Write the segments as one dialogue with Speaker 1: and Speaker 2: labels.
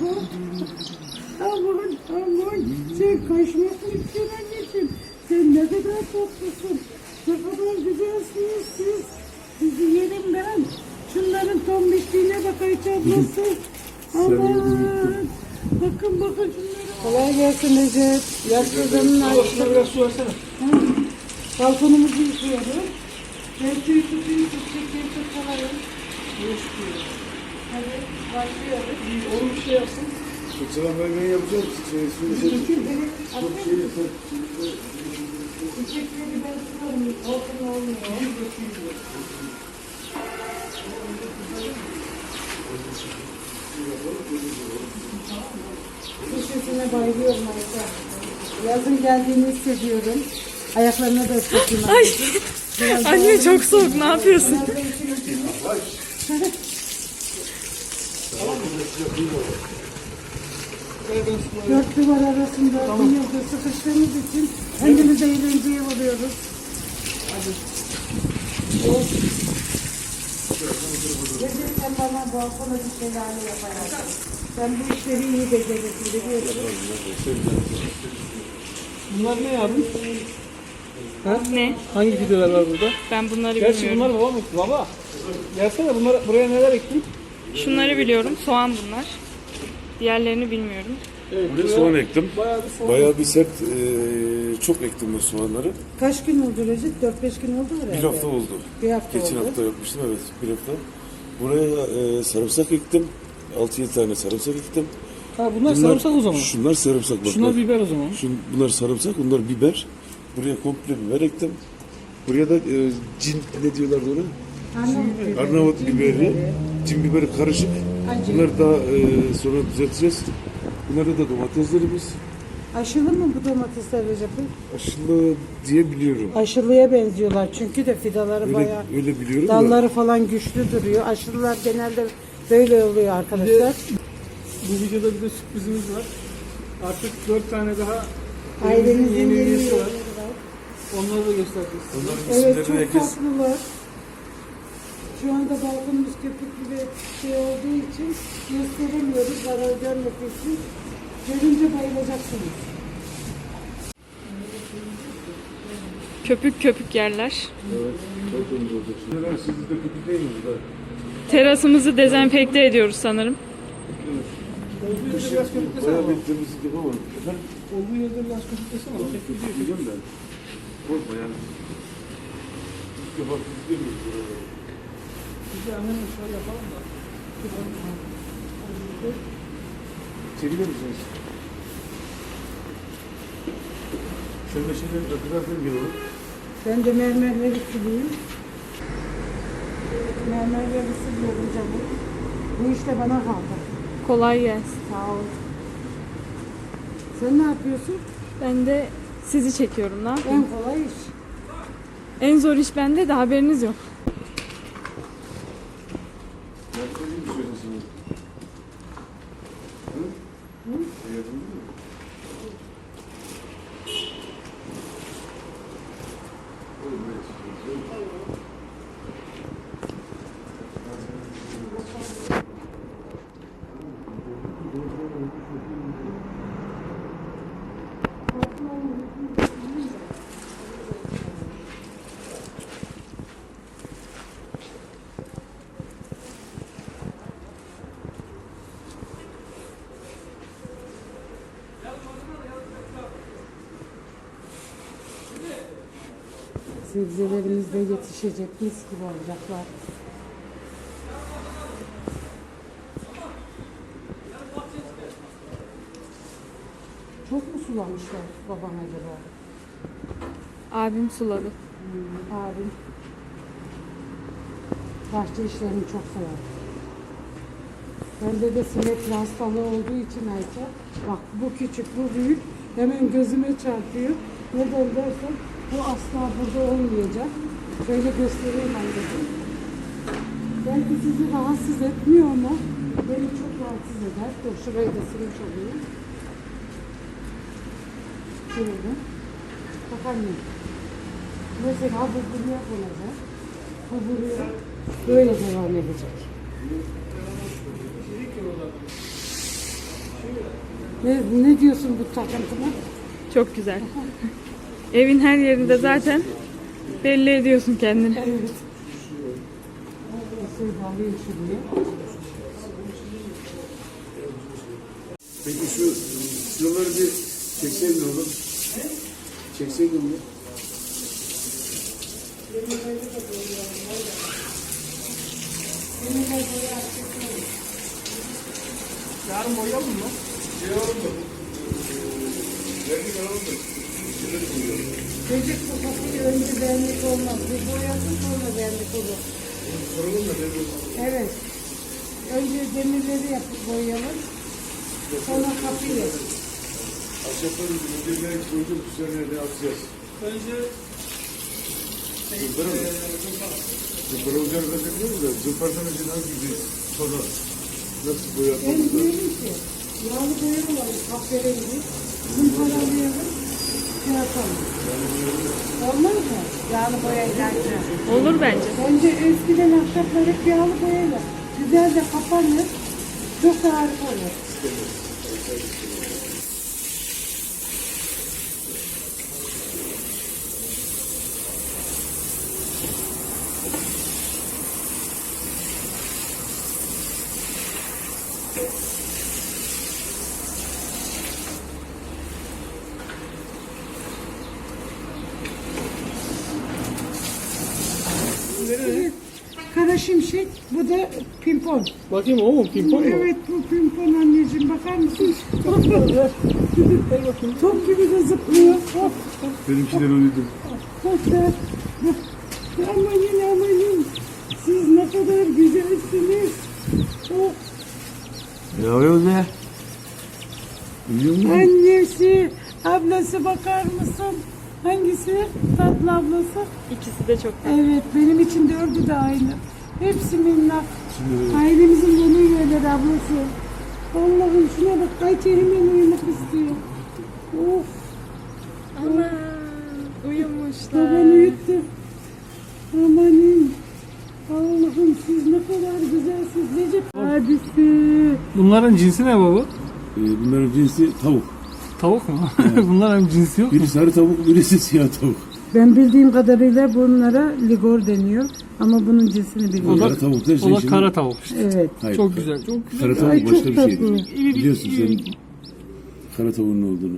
Speaker 1: bak. Aman aman. Sen kaçmasın istiyorsun anneciğim. Sen ne kadar tatlısın. Ne kadar güzelsiniz siz. Sizi yerim ben. Şunların tombişliğine bak Ayça ablası. Aman. Bakın bakın şunlara. Kolay gelsin Recep. Yaşlılarının Ayça.
Speaker 2: Biraz su versene.
Speaker 1: Balkonumuzu yıkıyorum. Ben suyu tutayım, çiçekleri tutsalayım. Hadi başlıyoruz.
Speaker 2: Oğlum bir şey yapsın.
Speaker 3: Sıçra ben yapacağım.
Speaker 1: Çiçekleri atayım. Çiçekleri ben tutarım. Olsun olmuyor. Köşesine bayılıyorum Ayşe. Yazın geldiğini hissediyorum. Ayaklarına da ıslatayım.
Speaker 4: Ay. Anne çok soğuk, ne yapıyorsun?
Speaker 1: Dört duvar arasında bir yıldır sıkıştığımız için kendimize eğlenceye buluyoruz. Gelirken bana balkona bir şelale yaparak. Ben bu işleri iyi beceririm biliyorsun.
Speaker 2: Bunlar ne yavrum? Ha?
Speaker 4: Ne?
Speaker 2: Hangi fideler var burada?
Speaker 4: Ben bunları
Speaker 2: Gerçi
Speaker 4: bilmiyorum.
Speaker 2: bunlar baba mı? Baba. Gelsene bunlar, buraya neler ektin?
Speaker 4: Şunları biliyorum. Soğan bunlar. Diğerlerini bilmiyorum.
Speaker 2: Evet,
Speaker 3: Buraya soğan ektim.
Speaker 2: bayağı bir soğan.
Speaker 3: Bayağı bir sert, çok ektim bu soğanları.
Speaker 1: Kaç gün oldu Recep? 4-5 gün oldu herhalde.
Speaker 3: Bir hafta oldu.
Speaker 1: Bir hafta
Speaker 3: Geçen
Speaker 1: oldu.
Speaker 3: hafta yapmıştım, evet, bir hafta. Buraya sarımsak ektim. 6-7 tane sarımsak ektim.
Speaker 2: Ha bunlar sarımsak o zaman.
Speaker 3: Şunlar sarımsak bak.
Speaker 2: Şunlar biber o zaman.
Speaker 3: Bunlar sarımsak, bunlar biber. Buraya komple biber ektim. Buraya da cin, ne diyorlardı ona? Arnavut biberi, cin biberi karışık. Bunları daha sonra düzelteceğiz. Bunlarda da domateslerimiz.
Speaker 1: Aşılı mı bu domatesler Recep'in?
Speaker 3: Aşılı diye biliyorum.
Speaker 1: Aşılıya benziyorlar çünkü de fidaları bayağı
Speaker 3: Öyle biliyorum da.
Speaker 1: dalları falan güçlü duruyor. Aşılılar genelde böyle oluyor arkadaşlar.
Speaker 2: Bu videoda bir de sürprizimiz var. Artık 4 tane daha
Speaker 1: Ailemizin
Speaker 2: yeni
Speaker 1: yeni
Speaker 2: üyesi var.
Speaker 1: üyeleri var.
Speaker 2: Onları da göstereceğiz.
Speaker 3: Onların
Speaker 1: Evet
Speaker 3: isimlerini
Speaker 1: çok
Speaker 3: herkes
Speaker 1: tatlılar. Şu anda balkonumuz köpüklü bir şey olduğu için gösteremiyoruz zarar görmek için. Görünce bayılacaksınız.
Speaker 4: Köpük köpük yerler.
Speaker 3: evet, çok temiz olacak. Şimdi siz de kötü değil misiniz da?
Speaker 4: Terasımızı dezenfekte ediyoruz sanırım.
Speaker 2: Olduğu yerde biraz köpüklesene
Speaker 3: Bayağı
Speaker 2: ama.
Speaker 3: bir temizlik yapamadım. Efendim?
Speaker 2: Olduğu yerde biraz köpüklesene ama.
Speaker 3: Kötüyüm ben. Korkma yani. İlk defa kötü değil.
Speaker 2: Biz de annemle şöyle yapalım da.
Speaker 3: Çekilir misiniz? Şöyle şeyleri fotoğrafını görüyorum.
Speaker 1: Ben de mermerleri sileyim. Mermerleri siliyorum canım. Bu işte bana kaldı.
Speaker 4: Kolay gelsin.
Speaker 1: Sağ ol. Sen ne yapıyorsun?
Speaker 4: Ben de sizi çekiyorum. Ne yapayım?
Speaker 1: En kolay iş.
Speaker 4: En zor iş bende de haberiniz yok.
Speaker 3: Ben söyleyeyim mi söylesin? Hı? Hı? Yapalım mı?
Speaker 1: Sebzelerimiz de yetişecek, mis gibi olacaklar. Çok mu sulamışlar baban acaba?
Speaker 4: Abim suladı.
Speaker 1: Abim bahçe işlerini çok sever. Bende de sinek hastalığı olduğu için Ayça, bak bu küçük, bu büyük, hemen gözüme çarpıyor. Neden dersen, bu asla burada olmayacak. Şöyle göstereyim anneciğim. Belki sizi rahatsız etmiyor ama beni çok rahatsız eder. Dur şurayı da silmiş olayım. Şöyle. Bak anne. Mesela bu buraya konacak. Bu buraya böyle devam edecek. Ne diyorsun bu takıntıma?
Speaker 4: Çok güzel. Evin her yerinde zaten belli ediyorsun kendini.
Speaker 1: Evet. Şöyle alayım şuraya.
Speaker 3: Peki şuraları bir çekseydin oğlum. Çekseydin mi?
Speaker 2: Yarın boyayalım mı?
Speaker 1: Çocuk sokakı önce benlik olmaz. Bir boyasın sonra benlik olur. Evet. Önce demirleri yapıp boyayalım. Sonra kapıyı.
Speaker 3: Ahşapları önceleri koyduk, üzerine ne atacağız?
Speaker 2: Önce
Speaker 3: Zımpara mı? Zımpara olacağını zaten biliyor musun? Zımparadan önce hangi bir sonra nasıl
Speaker 1: Ben
Speaker 3: boyatmamız lazım?
Speaker 1: diyorum ki yağlı boyamayalım. Kahverengi. Zımparalayalım. Şey yapalım. Olmaz mı? Yağlı boyayla.
Speaker 4: Olur bence.
Speaker 1: Önce eskiden ahşaplar hep yağlı boyayla. Güzelce kapanır. Çok da harika olur. Evet. Kara şimşek, bu da pimpon.
Speaker 2: bakayım o mu? Pimpon mu?
Speaker 1: Evet, bu pimpon anneciğim, bakar mısın? Top gibi de zıplıyor. Hop,
Speaker 3: Benimkiler uyudu.
Speaker 1: hop da. Amanın. Siz ne kadar güzelsiniz. Oh,
Speaker 3: Ne yapıyorsun be? Uyuyor musun?
Speaker 1: annesi, ablası bakar mısın? Hangisi? Tatlı ablası.
Speaker 4: İkisi de çok tatlı.
Speaker 1: Evet, benim için dördü de aynı. Hepsi minnak.
Speaker 3: Şimdi
Speaker 1: Ailemizin bunu yiyorlar ablası. Allah'ım şuna bak, Ayça hemen uyumak istiyor. Of,
Speaker 4: Ana
Speaker 1: baban
Speaker 4: uyumuşlar.
Speaker 1: uyuttu. Amanın. Allah'ım siz ne kadar güzelsiniz. Recep abisi.
Speaker 2: Bunların cinsi ne baba?
Speaker 3: bunların cinsi tavuk.
Speaker 2: Tavuk mu? Bunların cinsi yok mu?
Speaker 3: Biri sarı tavuk, birisi siyah tavuk.
Speaker 1: Ben bildiğim kadarıyla bunlara ligor deniyor. Ama bunun cinsini bilmiyorum.
Speaker 3: Kara tavuk da
Speaker 2: O da kara tavuk işte.
Speaker 1: Evet.
Speaker 3: Hayır,
Speaker 2: Çok güzel. Çok güzel.
Speaker 3: Kara tavuk
Speaker 1: Ay,
Speaker 3: başka
Speaker 1: çok
Speaker 3: bir
Speaker 1: tatlı.
Speaker 3: şeydir. Biliyorsun sen kara tavuğun ne olduğunu.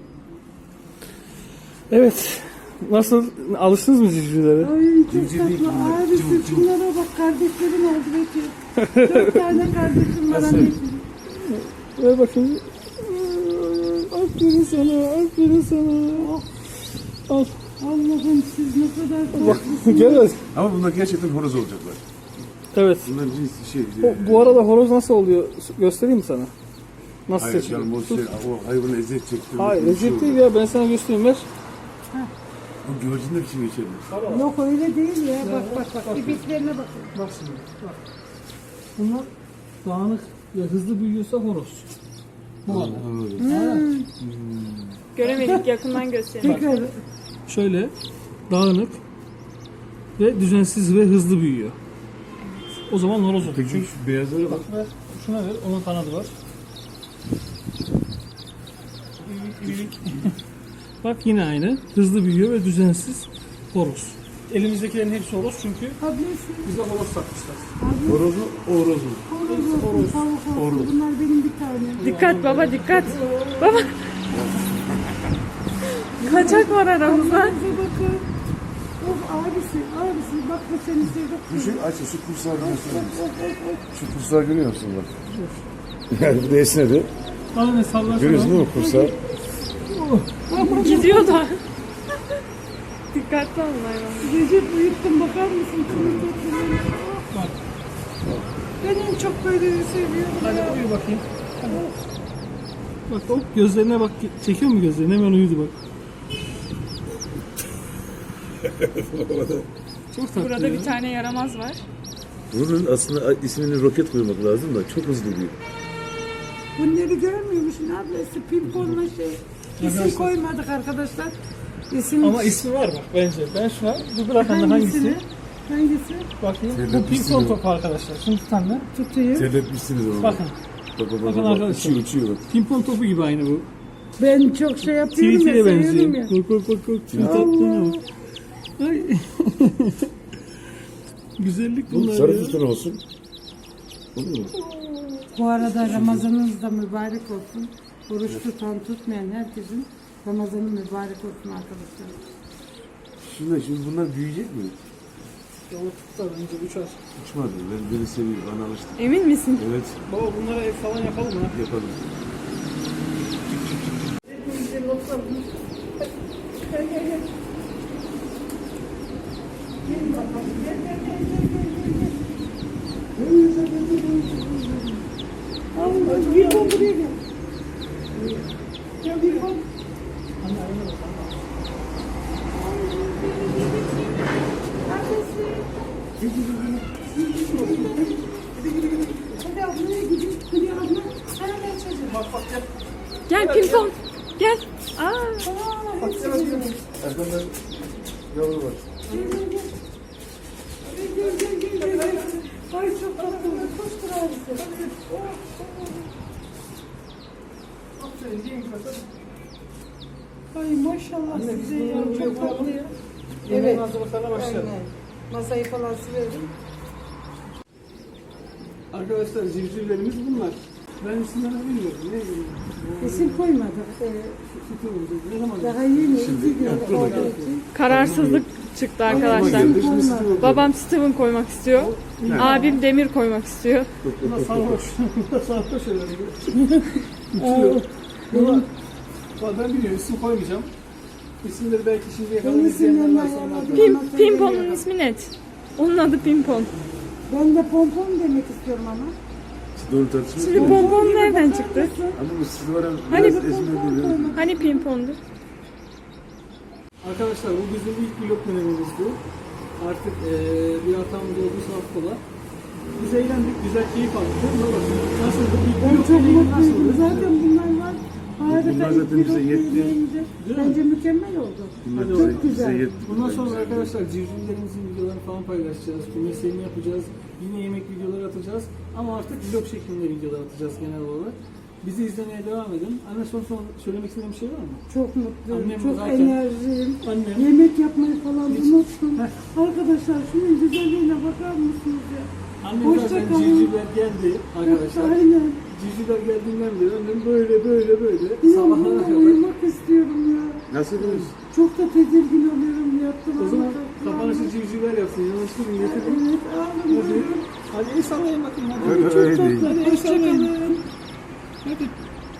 Speaker 2: Evet. Nasıl? Alıştınız mı civcivlere?
Speaker 1: Ay çok
Speaker 3: Civciv değil
Speaker 1: tatlı.
Speaker 3: bunlar,
Speaker 1: Abisi
Speaker 3: cıvık cıvık.
Speaker 1: şunlara bak, kardeşlerim oldu Bekir. 4 tane kardeşim var anneciğim.
Speaker 2: Ver bakayım. Aferin sana. Aferin sana. Al.
Speaker 1: Allah'ım siz ne kadar tatlısınız.
Speaker 2: Gel.
Speaker 3: Ama bunlar gerçekten horoz olacaklar.
Speaker 2: Evet.
Speaker 3: Bunların cinsi şey.
Speaker 2: Bu arada horoz nasıl oluyor? Göstereyim mi sana? Nasıl
Speaker 3: Hayır
Speaker 2: seçiliyor?
Speaker 3: canım o hayvanı eziyet çektirmek.
Speaker 2: Hayır,
Speaker 3: bir şey
Speaker 2: eziyet
Speaker 3: olur.
Speaker 2: değil ya. Ben sana göstereyim. Ver.
Speaker 3: Bu güvercinler için geçerli.
Speaker 1: Yok öyle değil ya. Bak. İpeklerine bakın.
Speaker 2: Bak şimdi. Bak. Bunlar dağınık ve hızlı büyüyorsa horoz. Bu arada.
Speaker 4: Göremedik, yakından göstereyim.
Speaker 1: Tekrar.
Speaker 2: Şöyle dağınık ve düzensiz ve hızlı büyüyor. O zaman horoz olur.
Speaker 3: Peki şu beyazlara bak.
Speaker 2: Ver. Şuna ver. Onun kanadı var. Bak yine aynı. Hızlı büyüyor ve düzensiz horoz. Elimizdekilerin hepsi horoz çünkü
Speaker 1: Ablası.
Speaker 2: bize horoz satmışlar.
Speaker 3: Horoz mu? Horoz mu?
Speaker 1: Horoz olsun, tavuk olsun. Bunlar benim bir tanem.
Speaker 4: Dikkat baba, dikkat. Baba. Kaçak var aramızda.
Speaker 1: Bize bakın. Of abisi bak bu seni sevdik.
Speaker 3: Şu aç şu kursağı görüyorsun. Şu kursağı görüyor musun bak? Yani bu da esnedi.
Speaker 2: Aynen sallar.
Speaker 3: Görüyorsun değil mi kursağı?
Speaker 4: Gidiyor da. Dikkatli olun hayvan.
Speaker 1: Recep uyuttum, bakar mısın? Şunun tatlılığına.
Speaker 2: Bak.
Speaker 1: Ben en çok böyle seviyorum.
Speaker 2: Hadi
Speaker 1: ya.
Speaker 2: uyu bakayım. Bak o gözlerine bak. Çekiyor mu gözlerini? Hemen uyudu bak. Çok tatlı
Speaker 4: Burada
Speaker 2: ya.
Speaker 4: bir tane yaramaz var.
Speaker 3: Bunun aslında ismini roket koymak lazım da çok hızlı büyüyor.
Speaker 1: Bunları görmüyor musun ablası? Pimponla şey. İsim koymadık arkadaşlar. İsim
Speaker 2: Ama ismi var bak bence. Ben şuna bir bırakanlar hangisi?
Speaker 1: Hangisi?
Speaker 2: Bakayım. Bu
Speaker 3: Terletmişsiniz
Speaker 2: pimpon
Speaker 3: o.
Speaker 2: topu arkadaşlar. Şunu tutanlar.
Speaker 1: Tutayım.
Speaker 3: Terletmişsiniz onu.
Speaker 2: Bakın. Bakın arkadaşlar.
Speaker 3: Uçuyor bak.
Speaker 2: Pimpon topu gibi aynı bu.
Speaker 1: Ben çok şey yapıyorum ya,
Speaker 2: Tweet'e
Speaker 1: seviyorum
Speaker 2: benziyor.
Speaker 1: ya.
Speaker 2: Bak. Tweet attığına bak. Ay. Güzellik
Speaker 3: Bu
Speaker 2: bunlar
Speaker 3: sarı
Speaker 2: ya.
Speaker 3: fıstık olsun. Olur mu?
Speaker 1: Bu arada Ramazanınız da mübarek olsun. Oruç tutan tutmayan herkesin Ramazanı mübarek olsun arkadaşlar.
Speaker 3: Şimdi bunlar büyüyecek mi?
Speaker 2: Yolu tutar önce uçar.
Speaker 3: Uçmadı. Beni seviyor. Bana alıştı.
Speaker 4: Emin misin?
Speaker 3: Evet.
Speaker 2: Baba bunlara ev falan yapalım ha.
Speaker 3: Yapalım.
Speaker 1: Allah, bir ton buraya gel. Gel bir ton. Hadi ablaya gidin. Hadi abla. Hadi ben çocuğum.
Speaker 4: Gel pimpon. Gel. Aa.
Speaker 3: Arkamda yavru var.
Speaker 1: Gel. Ay çok tatlı. Koştur abisi. Ay maşallah size ya. Çok tatlı ya.
Speaker 2: Evet. Hazırlıklarına başlayalım.
Speaker 1: Aynen. Masayı falan silerim.
Speaker 2: Arkadaşlar civcivlerimiz bunlar. Ben isimlerini bilmiyorum. Ne bileyim.
Speaker 1: İsim koymadık.
Speaker 2: Ne zaman?
Speaker 1: Daha yeni 2 gün olduğu için.
Speaker 4: Kararsızlık çıktı arkadaşlar.
Speaker 3: Geldi, şimdi sizi bakıyorum.
Speaker 4: Babam Steven koymak istiyor. Abim Demir koymak istiyor.
Speaker 2: Bunlar sarhoş. Bunlar sarhoş herhalde. Uçuyor. Bunlar... Ben biliyorum isim koymayacağım. İsimleri belki şimdiye kadar
Speaker 1: Benim
Speaker 2: izleyenler
Speaker 1: isimlerim
Speaker 2: varsa
Speaker 1: ayarladım.
Speaker 2: onlar-
Speaker 4: Pimpon'un ismi net. Onun adı Pimpon.
Speaker 1: Ben de pompon demek istiyorum ama.
Speaker 3: Doğru tartışma.
Speaker 4: Şimdi pompon nereden çıktı?
Speaker 3: Ama bu siz var ya
Speaker 4: Hani
Speaker 3: biraz
Speaker 4: bu
Speaker 3: ezme böyle.
Speaker 4: Hani Pimpon'du?
Speaker 2: Arkadaşlar bu bizim ilk vlog dönemimizdi. Artık bir hatamız oldu affola. Biz eğlendik, güzel keyif aldık. Nasıldı? İlk
Speaker 1: Ben
Speaker 2: vlog
Speaker 1: çok
Speaker 2: deneyimi
Speaker 1: mutluyum.
Speaker 2: nasıldı?
Speaker 1: Zaten bunlar var. Harika.
Speaker 3: Bunlar zaten
Speaker 1: ilk
Speaker 3: bize
Speaker 1: pilot
Speaker 3: yetti.
Speaker 1: izleyince
Speaker 2: Değil mi?
Speaker 1: Bence mükemmel oldu.
Speaker 3: Bunlar
Speaker 1: Çok
Speaker 3: bize
Speaker 1: güzel.
Speaker 3: yetti.
Speaker 2: Bundan sonra arkadaşlar civcivlerimizin videolarını falan paylaşacağız. Kümeslerini yapacağız. Yine yemek videoları atacağız. Ama artık vlog şeklinde videolar atacağız genel olarak. Bizi izlemeye devam edin. Anne son söylemek istediğin bir şey var mı?
Speaker 1: Çok mutluyum.
Speaker 2: Annem
Speaker 1: çok
Speaker 2: zaten-
Speaker 1: enerjiyim.
Speaker 2: Annem.
Speaker 1: Yemek yapmayı falan unuttum.
Speaker 2: Heh.
Speaker 1: Arkadaşlar şunun güzelliğine bakar mısınız ya?
Speaker 2: Annem
Speaker 1: Hoşça
Speaker 2: zaten
Speaker 1: kalın.
Speaker 2: civcivler geldi arkadaşlar.
Speaker 1: Aynen.
Speaker 2: Civcivler geldiğinden beri annem böyle
Speaker 1: Ya
Speaker 2: sabahlara
Speaker 1: bununla
Speaker 2: kadar.
Speaker 1: uyumak istiyorum ya.
Speaker 3: Nasıl ediniz?
Speaker 1: Çok da tedirgin oluyorum yattım.
Speaker 2: O zaman kapanışı civcivler yapsın. Yanaştırın getirin.
Speaker 1: Evet
Speaker 2: Hadi.
Speaker 1: ağlamıyorum.
Speaker 2: Hadi el sallayın bakın. Hadi.
Speaker 3: Öyle
Speaker 1: Çok
Speaker 3: değil.
Speaker 1: tatlı. Hoşçakalın.
Speaker 2: Hadi.